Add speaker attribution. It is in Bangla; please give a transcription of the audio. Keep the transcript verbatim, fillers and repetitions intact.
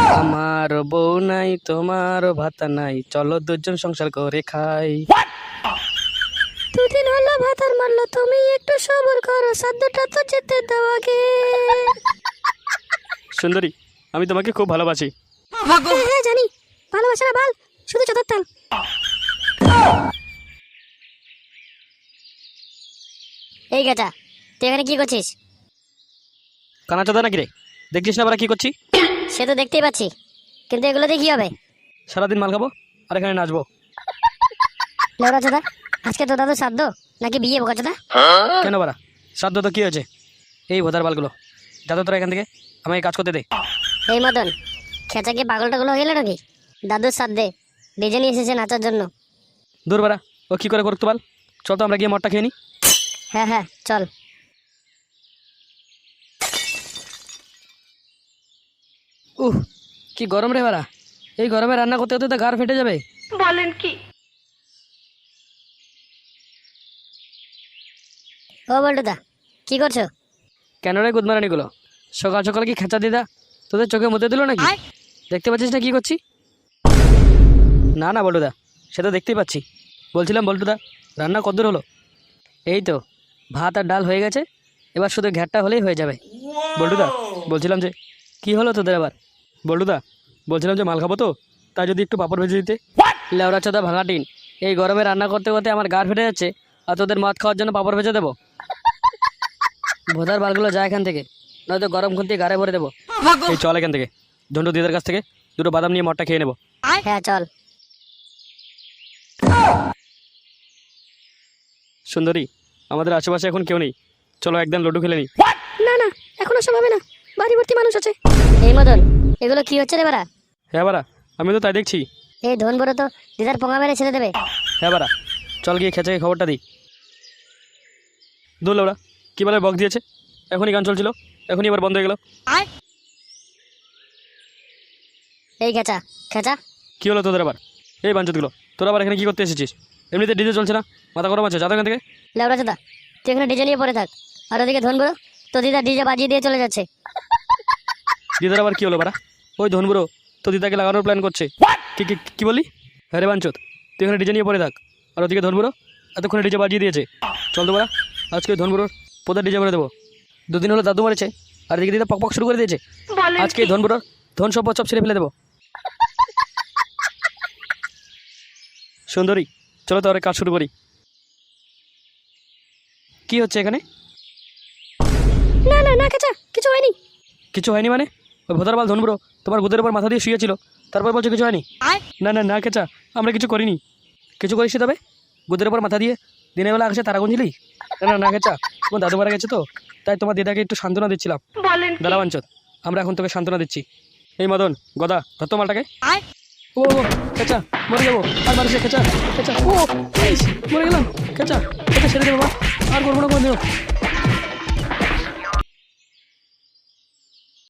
Speaker 1: আমার বউ নাই তোমার ভাতা নাই, চলো দুজন সংসার করে খাই।
Speaker 2: দুদিন হলো ভাতার মারলো, তুমি একটু সবর করো, সাধ্যটা তো যেতে দাও আগে।
Speaker 1: সুন্দরী, আমি তোমাকে খুব ভালোবাসি।
Speaker 2: হ্যাঁ হ্যাঁ জানি, ভালোবাসা না বাল, শুধু চোদার তাল। এই গেটা, তুই এখানে কি করছিস?
Speaker 1: কানা চোদা নাকি রে? দেখছিস না আমরা কি করছি?
Speaker 2: সে তো দেখতেই পাচ্ছি, কিন্তু এগুলো দিয়ে কি হবে?
Speaker 1: সারাদিন মাল খাবো আর এখানে নাচবো।
Speaker 2: লেওড়া চোদা, আজকে তো দাদু শ্রাদ্ধ নাকি বিয়ে বোকা চোদা?
Speaker 1: কেন বাড়া, শ্রাদ্ধ তো কি হয়েছে? এই ভোদার বালগুলো, যাতে তোরা এখান থেকে আমাকে কাজ করতে দে।
Speaker 2: এই মদন, খেঁচা কি পাগল টাগল হয়ে গেল নাকি? দাদুর শ্রাদ্ধে ডিজে নিয়ে এসেছে নাচার জন্য।
Speaker 1: দূর বাড়া, ও কি করে করতো বল? চল তো আমরা গিয়ে মদটা খেয়ে নিই।
Speaker 2: হ্যাঁ হ্যাঁ চল।
Speaker 1: উহ, কি গরম রে বাড়া, এই গরমে রান্না করতে করতে তো গাড় ফেটে যাবে।
Speaker 3: বলেন কি?
Speaker 2: ও বল্টুদা, কি করছো?
Speaker 1: কেন রে গুদমারানিগুলো, সকাল সকাল কি খেঁচা দিদা তোদের চোখে মুতে দিল নাকি? দেখতে পাচ্ছিস না কি করছি? না না বল্টুদা, সে তো দেখতেই পাচ্ছি। বলছিলাম বল্টুদা, রান্না কতদূর হলো? এই তো ভাত আর ডাল হয়ে গেছে, এবার শুধু ঘ্যাটটা হলেই হয়ে যাবে। বল্টুদা, বলছিলাম যে কি হলো তোদের আবার? বল্টুদা, বলছিলাম যে মাল খাবো তো, তাই যদি একটু পাপড় ভেজে দিতে। লেওড়া চোদা ভাঙা টিন, এই গরমে রান্না করতে করতে আমার গাড় ফেটে যাচ্ছে, আর তোদের মদ খাওয়ার জন্য পাপড় ভেজে দেবো? ভোদার বালগুলো যায় এখান থেকে, নয়তো গরম খুন্তি গাড়ে ভরে দেবো। এই চল এখান থেকে, ঝন্টু দিদার কাছ থেকে দুটো বাদাম নিয়ে মদটা খেয়ে নেবো।
Speaker 2: হ্যাঁ চল।
Speaker 1: সুন্দরী, আমাদের আশেপাশে এখন কেউ নেই, চলো একদম লুডু খেলে নিই।
Speaker 2: না না, এখন ওসব হবে না, বাড়ি ভর্তি মানুষ আছে। এই মদন, এগুলো কি হচ্ছে রে বাড়া?
Speaker 1: হ্যাঁ বাড়া, আমি তো তাই দেখছি।
Speaker 2: এই ধন বড় তো দিদার পোঙা মেরে ছেড়ে দেবে।
Speaker 1: হ্যাঁ বাড়া, চল গিয়ে খেঁচাকে খবরটা দিই। দূর ওরা কী বলে বক দিয়েছে, এখনই গান চলছিল, এখনই এবার বন্ধ হয়ে গেল।
Speaker 2: এই খেঁচা খেঁচা,
Speaker 1: কী হলো তোদের আবার? এই বাঞ্চতগুলো, তোরা আবার এখানে কী করতে এসেছিস? এমনিতে ডিজে চলছে না, মাথা গরম আছে, যাতে এখান থেকে।
Speaker 2: লেওড়া চোদা, তুই এখানে ডিজে নিয়ে পড়ে থাক, আর ওদিকে ধন বড় তো দিদা ডিজে বাজিয়ে দিয়ে চলে যাচ্ছে।
Speaker 1: দিদার আবার কী হলো বাড়া? ওই ধনবুড়ো তো দিদাকে লাগানোর প্ল্যান করছে। কি কি কি বলি? হ্যাঁ রে বাঞ্চত, তুই এখানে ডিজে নিয়ে পড়ে থাক, আর ওদিকে ধনবুড়ো এতক্ষণে ডিজে বাজিয়ে দিয়েছে। চল তো বাড়া, আজকে ধনবুড়োর পোদার ডিজে করে দেবো। দুদিন হলো দাদু মারেছে, আর এদিকে দিদা পক পক শুরু করে দিয়েছে। আজকে ধনবুড়োর ধন সম্পদ সব ছেড়ে ফেলে দেবো। সুন্দরী, চলো তো আর কাজ শুরু করি। কি হচ্ছে এখানে?
Speaker 2: না না না খেঁচা, কিছু হয়নি।
Speaker 1: কিছু হয়নি মানে? ওই ভোদার বাল ধনবুড়ো তোমার গুদের উপর মাথা দিয়ে শুয়েছিল, তারপর বলছো কিছু হয়নি? না না না কেচা, আমরা কিছু করিনি। কিছু করিস তবে গুদের উপর মাথা দিয়ে দিনের বেলা আকাশে তারা গুঞ্জিলি? না না না কেচা, তোমার দাদু মারা গেছে তো, তাই তোমার দিদাকে একটু সান্ত্বনা দিচ্ছিলাম। দাদা বাঞ্চত, আমরা এখন তোকে সান্ত্বনা দিচ্ছি। এই মদন গদা, ধরতো মালটাকে। ও কেচা, মরে যাবো, আর মারিস কেচা কেচা। ও ইস, মরে গেলাম কেচা, কেচা ছেড়ে দে বাবা, আর করবো না কোনো দিন।